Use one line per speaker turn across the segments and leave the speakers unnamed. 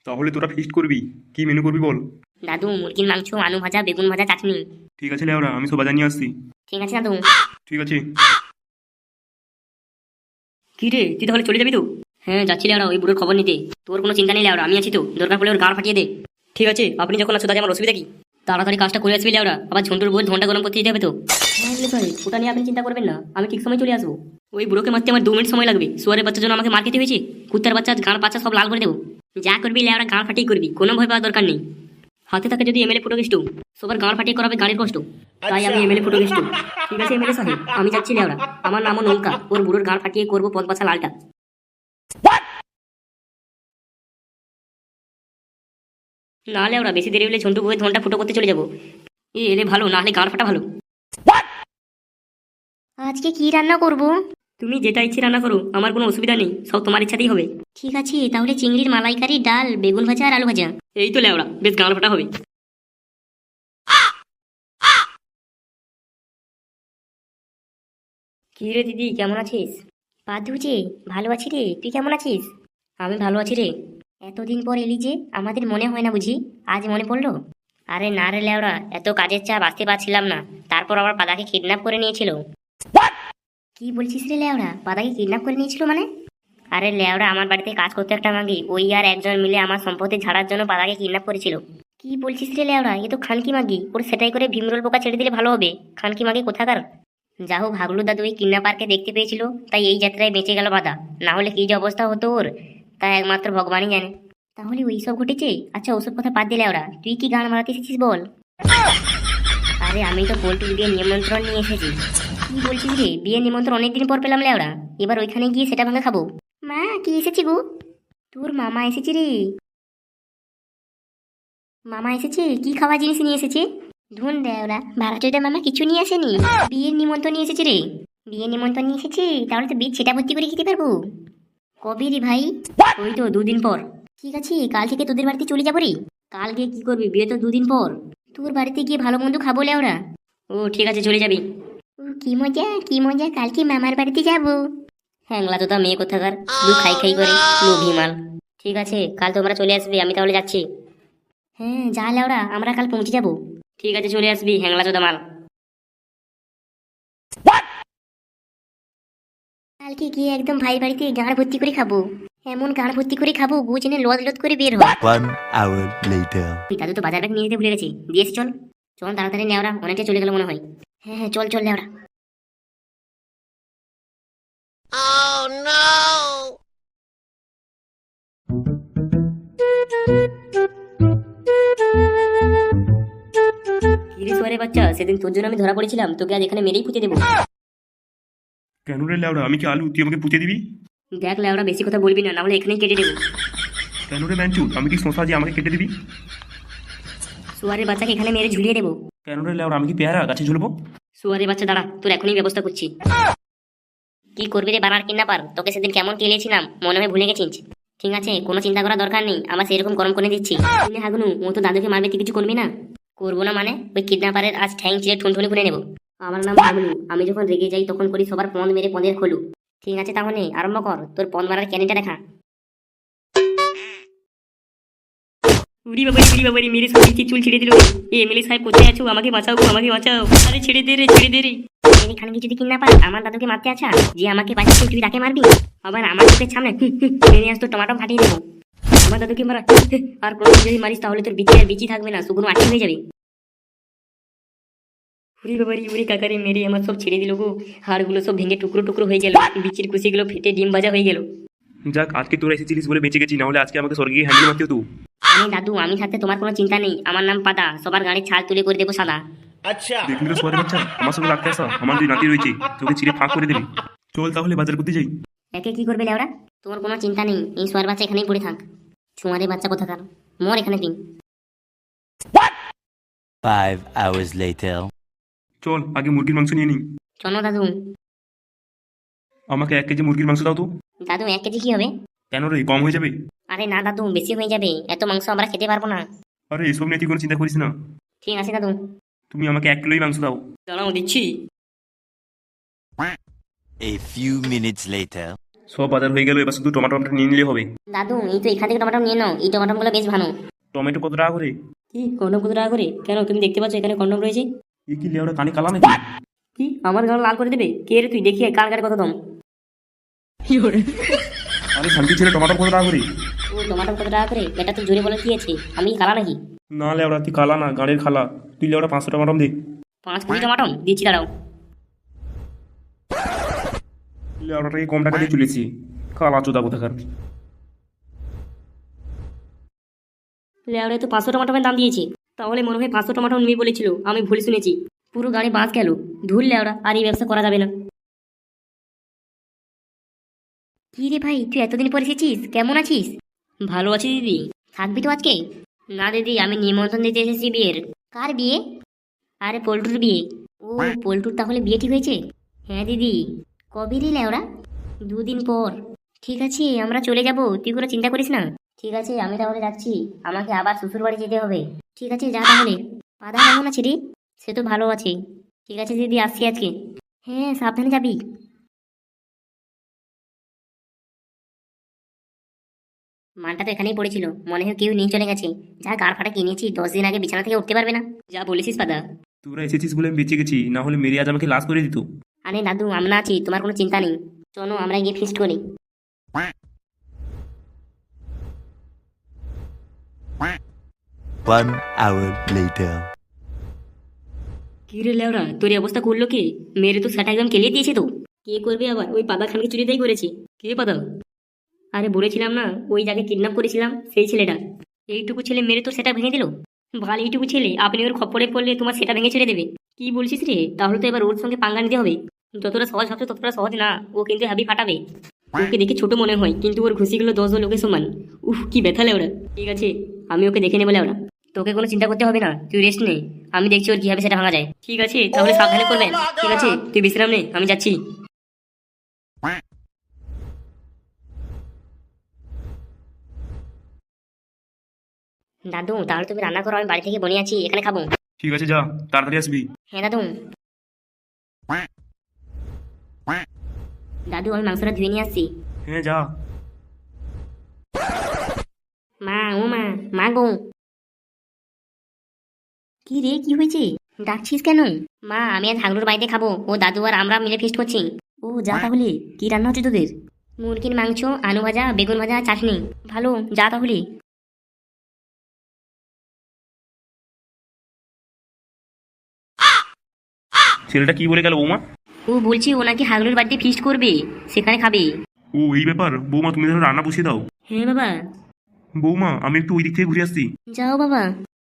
তাহলে তোরা ফিস্ট করবি, কি মেনু করবি বল।
দাদু মুরগির মাংস, আলু ভাজা, বেগুন ভাজা, চাটনি।
ঠিক আছে লেওরা, আমি সব বাজার নিয়ে আসছি।
ঠিক আছে দাদু।
ঠিক আছে।
কি রে, তুই তাহলে চলে যাবি তো? হ্যাঁ যাচ্ছি লেওড়া ওই বুড়োর খবর নিতে। তোর কোনো চিন্তা নেই লেওড়া, আমি আছি তো, দরকার পড়লে ওর গাঁড় ফাটিয়ে দে। ঠিক আছে, আপনি যখন আছো তাতে আমার অসুবিধা কি? তাড়াতাড়ি কাজটা করে আসবি লেওড়া, আবার ঝন্টুর বই ঘন্টা গরম করতে দিতে হবে তো। হ্যাঁ ভাই, ওটা নিয়ে আপনি চিন্তা করবেন না, আমি ঠিক সময় চলে আসবো। ওই বুড়োকে মারতে আমার 2 মিনিট সময় লাগবে। শুয়ারের বাচ্চার জন্য আমাকে মার খেতে হয়েছে। কুত্তার বাচ্চা গাঁড় পাচা সব লাল করে দেবো। যা করবি লেওড়া গাঁড় ফাটিয়ে করবি, কোনো ভয় পাওয়ার দরকার নেই। হাতে থাকে যদি এমএলএ ফুটো গেস্টু, সবার গাঁড় ফাটিয়ে করাবে গাড়ির কষ্ট। তাই আমি এমএলএ ফুটো গেস্টু। ঠিক আছে এমএলএ সাহেব, আমি যাচ্ছি লেওড়া। আমার নামও নৌকা, ওর বুড়োর গাঁড় ফাটিয়ে করবো পদ পাছা লালটা। না লেওড়া, বেশি দেরি হলে ঝন্টু বউয়ের ধনটা ফুটো করতে চলে যাবো। এলে ভালো, না হলে গাঁড় ফাটা ভালো। আজকে কি রান্না করব? তুমি যেটা ইচ্ছে রান্না করো, আমার কোনো অসুবিধা নেই, সব তোমার ইচ্ছাতেই হবে। ঠিক আছে, তাহলে চিংড়ির মালাইকারি, ডাল, বেগুন ভাজা আর আলু ভাজা। এই তো লেওড়া, বেশ গাঁড় ফাটা হবে। কি রে দিদি, কেমন আছিস? পাদু যে, ভালো আছি রে, তুই কেমন আছিস? আমি ভালো আছি রে। এতদিন পর এলি যে, আমাদের মনে হয় না বুঝি? আজ মনে পড়লো? আরে না রে লেওড়া, এত কাজের চাপ আসতে পারছিলাম না। তারপর আবার পাদাকে কিডন্যাপ করে নিয়েছিল। কি বলছিস রে লেওড়া, পাদাকে কিডন্যাপ করে নিয়েছিল মানে? আরে লেওড়া, আমার বাড়িতে কাজ করতে একটা মাগি, ওই আর একজন মিলে আমার সম্পত্তি ঝাড়ার জন্য পাদাকে কিডন্যাপ করেছিল। কি বলছিস রে লেওড়া, এ তো খানকি মাগি, ওর সেটাই করে ভীমরোল পোকা ছেড়ে দিলে ভালো হবে। খানকি মাগি কোথাকার। যা হোক, হাগলু দাদু ওই কিডন্যাপারকে দেখতে পেয়েছিল, তাই এই যাত্রায় বেঁচে গেল বাধা। না হলে কি যে অবস্থা হতো ওর, তা একমাত্র ভগবানই জানে। তাহলে ওই সব ঘটেছে? আচ্ছা ওসব কথা বাদ দিলে ওরা, তুই কি গান মারাতে এসেছিস বল? আরে আমি তো পোল্ট্রির বিয়ে নিমন্ত্রণ নিয়ে এসেছি। কি বলছিস রে, বিয়ে নিমন্ত্রণ অনেকদিন পর পেলাম লেওড়া, এবার ওইখানে গিয়ে সেটা ভাঙা খাবো? মা কি এসেছি গো? তোর মামা এসেছি রে। মামা এসেছে, কি খাওয়া জিনিস নিয়ে এসেছে? ধুন দেওরা, ভাড়াচোদা মামা কিছু নিয়ে আসেনি, বিয়ের নিমন্ত্রণ নিয়ে এসেছে রে। বিয়ে নিমন্ত্রণ নিয়ে এসেছি, তাহলে তো বীজ সেটা ভর্তি করে খেতে পারবো। কবে রে ভাই? ওই তো 2 দিন পর। ঠিক আছে, কাল থেকে তোদের বাড়িতে চলে যাবো রে। কাল গিয়ে কি করবি, বিয়ে তো 2 দিন পর। তোর বাড়িতে গিয়ে ভালো মন্দ খাবো লেওরা। ও ঠিক আছে, চলে যাবি। ও কি মজা কি মজা, কালকে মামার বাড়িতে যাবো। হ্যাংলা তো তা মেয়ে কোথাকার, শুধু খাই খাই করে, লোভী মাল। ঠিক আছে, কাল তোমরা চলে আসবে, আমি তাহলে যাচ্ছি। হ্যাঁ যা লেওরা, আমরা কাল পৌঁছে যাবো। ঠিক আছে, চলে আসবি হ্যাংলা চোদা মাল। কালকে গিয়ে একদম ভাই বাড়িতে গাঁড় ভর্তি করে খাবো। এমন গাঁড় ভর্তি করে খাবো, বুঝনে লদ লদ করে বের হয়।
1 hour later.
দাদু তো বাজার ব্যাগ নিয়ে যেতে ভুলে গেছি, দিয়েছি চল। চল তাড়াতাড়ি নেওরা, অনেকটা চলে গেল মনে হয়। হ্যাঁ হ্যাঁ, চল চল নেওরা। কিরে সোয়ারে বাচ্চা, সেদিন তোর জন্য আমি ধরা পড়েছিলাম, তোকে আজ এখানে মেরেই পুঁতে দেবো।
কেন রে লেওরা, আমি কি আলু, তুই আমাকে পুঁতে দিবি?
দেখ লেওরা, বেশি কথা বলবি না, নাহলে এখানেই কেটে দেবো।
কেন রে ম্যানচুদ, আমি কি শশা যে আমাকে কেটে দিবি?
সোয়ারের বাচ্চাকে এখানে মেরে ঝুলিয়ে দেবো।
কেন রে লেওরা, আমি কি পেয়ারা গাছে ঝুলবো?
সোয়ারের বাচ্চা দাঁড়া, তোর এখনই ব্যবস্থা করছি। কি করবি রে বানার কিডন্যাপার, তোকে সেদিন কেমন কেলিয়েছিলাম, মনে হয় ভুলে গেছিস? ঠিক আছে, কোনো চিন্তা করার দরকার নেই, আমার সেরকম গরম করে দিচ্ছি। তুমি হাগুনু, ও তো দাদুকে মারবে, তুই কিছু করবি না? করবো না মানে? ওই কিডন্যাপারের আজ ঠ্যাং চিরে ঠুনঠুনি খুলে নেবো। আমার নাম হাগুনু, আমি যখন রেগে যাই তখন করি সবার পদ মেরে পদের খোলু। ঠিক আছে তাহলে আরম্ভ কর, তোর পদ মারার ক্যানিটা দেখা। উড়ি বাবারি উড়ি বাবারি, মেরে সব চুল ছিঁড়ে দিল। এ এমএলএ সাহেব কোথায় আছো, আমাকে বাঁচাও গো, আমাকে বাঁচাও। আরে ছেড়ে দে রে, ছেড়ে দে রে। এখানে কি যদি কিডন্যাপার আমার দাদুকে মারতে আছা, যে আমাকে বাঁচাচ্ছে তুই তাকে মারবি? আবার আমার চোখের সামনে মেরে আসতো, টমাটো ফাটিয়ে দেবো। আমার দাদুকে মারা, আর প্রথম যদি মারিস তাহলে তোর বিচি আর বিচি থাকবে না, শুকনো আটকে হয়ে যাবে। উড়ি বাবারি উড়ি কাকারে, মেরে আমার সব ছেড়ে দিল গো, হাড়গুলো সব ভেঙে টুকরো টুকরো হয়ে গেল, বিচির কুচিগুলো ফেটে ডিম ভাজা হয়ে গেল।
যাক, আজকে তোরা এসেছিলিস বলে বেঁচে গেছি, নাহলে আজকে আমাকে স্বর্গে হ্যান্ডেল মারতেও তো।
আমি দাদু, আমি থাকতে তোমার কোনো চিন্তা নেই, আমার নাম পাদা, সবার গাড়ির ছাল তুলে করে দেবো সাদা।
দেখলি তো সোয়ারে বাচ্চা, আমার সঙ্গে লাগতে আসা, আমার দুই নাতি রয়েছে, তোকে চিড়ে ফাঁক করে দেবে। চল তাহলে বাজার করতে যাই।
একে কি করবে লেওরা? তোমার কোনো চিন্তা নেই, এই সোয়ার বাচ্চা এখানেই পড়ে থাক। ছোঁয়ারে বাচ্চা কোথাকার, মর এখানে তুই।
5 hours later.
চল আগে মুরগির মাংস নিয়ে নিই।
চলো দাদু।
আমাকে 1 কেজি মুরগির মাংস দাও তো।
দাদু 1 কেজি কি হবে?
কেন রে, কম হয়ে যাবে?
আরে না দাদু, বেশি হয়ে যাবে, এত মাংস আমরা খেতে পারবো না।
আরে এসব নিয়ে তুই কোনো চিন্তা করিস না,
ঠিক আছে দাদু।
তুমি আমাকে 1 কিলোই মাংস দাও।
দাঁড়াও দিচ্ছি।
A few minutes later.
সব বাজার হয়ে গেল, এবার শুধু টমাটোটা নিয়ে নিলে হবে।
দাদু এই তো এখান থেকে টমাটো নিয়ে নাও, এই টমাটোগুলো বেশ ভালো।
টমেটো কত টাকা করে?
কি কন্ডম কত টাকা করে? কেন তুমি দেখতে পাচ্ছ এখানে কন্ডম রয়েছে?
এ কি লেওড়া, কানে কালা নাকি?
কি আমার গাল লাল করে দেবে? কে রে তুই? দেখি কার কারে কত দাম।
আরে শান্তি ছেলে, টমাটো কত টাকা করে?
ও টমাটো কত টাকা করে? এটা তো জোরে বলে কি আছে? আমি কি কালা নাকি?
না লেওড়া, তুই কালা না, গাড়ির খালা। তুই লেওড়া 500 টমাটো দে।
5 কেজি টমাটো দিচ্ছি, দাঁড়াও।
লেওড়াটাকে কম টাকা দিয়ে তুলেছি, কালা চোদা কোথাকার।
লেওড়ে তো 500 টমাটোমের দাম দিয়েছি। তাহলে মনে হয় 500 টমাটো নিবি বলেছিল, আমি ভুল শুনেছি। পুরো গাড়ি বাঁচ গেল। ধুর লেওড়া, আর এই ব্যবসা করা যাবে না। কি রে ভাই, তুই এতদিন পরে এসেছিস, কেমন আছিস? ভালো আছি দিদি। থাকবি তো আজকে? না দিদি, আমি নিমন্ত্রণ দিতে এসেছি বিয়ের। কার বিয়ে? আরে পল্টুর বিয়ে। ও পল্টুর তাহলে বিয়ে ঠিক হয়েছে? হ্যাঁ দিদি। কবে রে লেওড়া? 2 দিন পর। ঠিক আছে, আমরা চলে যাব, তুই কোনো চিন্তা করিস না। ঠিক আছে, আমি তাহলে যাচ্ছি। আমাকে আবার শ্বশুর বাড়ি যেতে হবে। ঠিক আছে, যা তাহলে। পাদা কেমন আছে রে? সে তো ভালো আছে। ঠিক আছে দিদি, আসছি আজকে। হ্যাঁ, সাবধানে যাবি। মানটা তো এখানেই পড়েছিল, মনে হয় কেউ নিয়ে চলে গেছে। যা গাড় ফাটা কিনেছি, 10 দিন আগে বিছানা থেকে উঠতে পারবে না। যা বলেছিস পাদা।
তোরা এসেছিস বলে আমি বেঁচে গেছি, না হলে মেরে আজ আমাকে লাশ করে দিত।
আরে দাদু, আমরা আছি, তোমার কোনো চিন্তা নেই। চলো আমরা গিয়ে ফিস্ট করি।
One hour later.
কি রে লেওরা, তোর এই অবস্থা করলো কে? মেরে তো সেটা একদম কেলিয়ে দিয়েছে তো। কে করবে আবার? ওই পাদা খানকে চুরিটাই করেছে। কে পাদা? আরে বলেছিলাম না, ওই যাকে কিডন্যাপ করেছিলাম সেই ছেলেটা। এইটুকু ছেলে মেরে তো সেটা ভেঙে দিল। ভালো, এইটুকু ছেলে আপনি ওর খপ্পরে পড়লে তোমার সেটা ভেঙে ছেড়ে দেবে? কি বলছিস রে? তাহলে তো এবার ওর সঙ্গে পাঙ্গা নিতে হবে। যতটা সহজ ভাবছো ততটা সহজ না, ও কিন্তু হ্যাভি ফাটাবে। ওকে দেখে ছোট মনে হয়, কিন্তু ওর ঘুষিগুলো 10 লোকের সমান। উফ, কি ব্যথা লেওরা। ঠিক আছে, আমি ওকে দেখে নেবো লেওরা। তোকে কোনো চিন্তা করতে হবে না, তুই রেস্ট নে। আমি দেখছি ওর কিভাবে সেটা ভাঙা যায়। ঠিক আছে, তাহলে সাবধানে করবেন। ঠিক আছে, তুই বিশ্রাম নে, আমি যাচ্ছি। দাদু তাহলে তুমি রান্না করো, আমি বাড়ি থেকে বনে আছি, এখানে খাবো।
ঠিক আছে, যা, তাড়াতাড়ি আসবি।
হ্যাঁ দাদু। দাদু আমি মাংসটা ধুয়ে নিয়ে আসছি।
হ্যাঁ যা।
মা, ও মা, মা গো। কি রে, কি হয়েছে? ডাকছিস কেন? মা, আমি আজ হাগলুর বাড়িতে খাবো, ও দাদু আর আমরা মিলে ফিস্ট করছি। ও যা তাহলে, কি রান্না হচ্ছে তোদের? মুরগির মাংস, আলু ভাজা, বেগুন ভাজা, চাটনি। ভালো, যা তাহলে।
ছেলেটা কি বলে গেল বৌমা?
ও বলছি ও নাকি হাগলুর বাড়িতে ফিস্ট করবে, সেখানে খাবে।
ও এই ব্যাপার। বৌমা তুমি তাহলে রান্না বসিয়ে দাও।
হ্যাঁ বাবা।
বৌমা, আমি একটু ওই দিক থেকে ঘুরে আসছি।
যাও বাবা।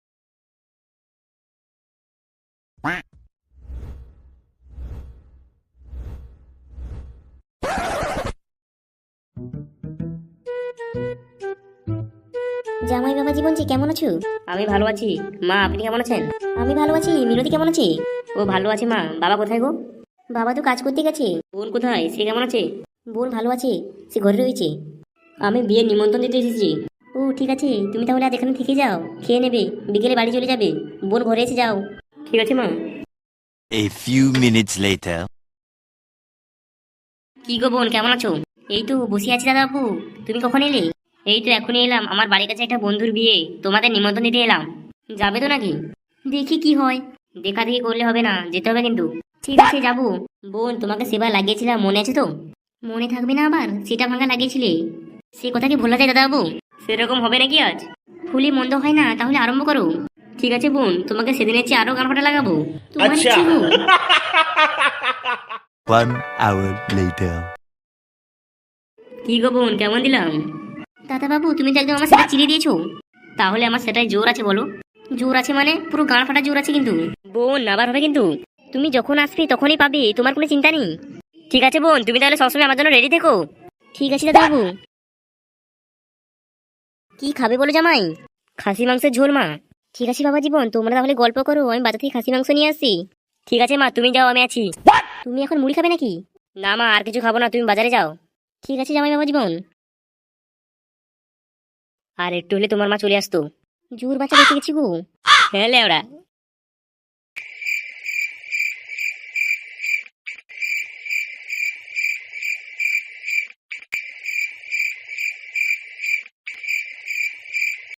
জামাই বাবা জীবনজি, কেমন আছো? আমি ভালো আছি। মা, আপনি কেমন আছেন? আমি ভালো আছি। মিনতি কেমন আছে? ও ভালো আছে মা। বাবা কোথায় গো? বাবা তো কাজ করতে গেছে। বোন কোথায়, সে কেমন আছে? বোন ভালো আছে, সে ঘরে রয়েছে। আমি বিয়ের নিমন্ত্রণ দিতে এসেছি। ও ঠিক আছে, তুমি তাহলে আজ এখানে থেকে যাও, খেয়ে নেবে, বিকেলে বাড়ি চলে যাবে। বোন ঘরে এসে যাও। ঠিক আছে মা।
A few minutes later.
কি গো বোন, কেমন আছো? এই তো বসে আছি দাদা বাবু। তুমি কখন এলে? এই তো এখনই এলাম, আমার বাড়ির কাছে একটা বন্ধুর বিয়ে, তোমাদের নিমন্ত্রণ দিতে এলাম। যাবে তো নাকি? দেখি কি হয়। দেখা দেখি করলে হবে না, যেতে হবে কিন্তু। ঠিক আছে, যাবো। বোন, তোমাকে সেবার লাগিয়েছিলাম, মনে আছে তো? মনে থাকবে না আবার? সেটা ভাঙা লাগিয়েছিলে, সে কথা কি ভোলা যায় দাদা বাবু? সেরকম হবে নাকি আজ? ফুলি মন্দ হয় না, তাহলে আরম্ভ করো। ঠিক আছে বোন, তোমাকে সেদিনের চেয়ে আরো গান ফাটা লাগাবো। তোমার ইচ্ছে গো।
1 hour later.
কি গো বোন, কেমন দিলাম? দাদা বাবু, তুমি তো একদম আমার সেটা চিড়ে দিয়েছো। তাহলে আমার সেটাই জোর আছে বলো? জোর আছে মানে পুরো গান ফাটা জোর আছে কিন্তু। বোন আবার হবে কিন্তু। তুমি যখন আসবে তখনই পাবে, তোমার কোনো চিন্তা নেই। ঠিক আছে বোন, তুমি তাহলে সবসময় আমার জন্য রেডি থেকো। ঠিক আছে দাদা বাবু। কি খাবে বলো জামাই? খাসি মাংসের ঝোল মা। ঠিক আছে বাবা জীবন, তোমরা তাহলে গল্প করো, আমি বাজার থেকে খাসি মাংস নিয়ে আসছি। ঠিক আছে মা, তুমি যাও, আমি আছি। তুমি এখন মুড়ি খাবে নাকি? না মা, আর কিছু খাবো না, তুমি বাজারে যাও। ঠিক আছে জামাই বাবা জীবন। আর একটু হলে তোমার মা চলে আসতো। জোর বাচ্চা দেখে গেছি গো। হ্যাঁ লেওড়া,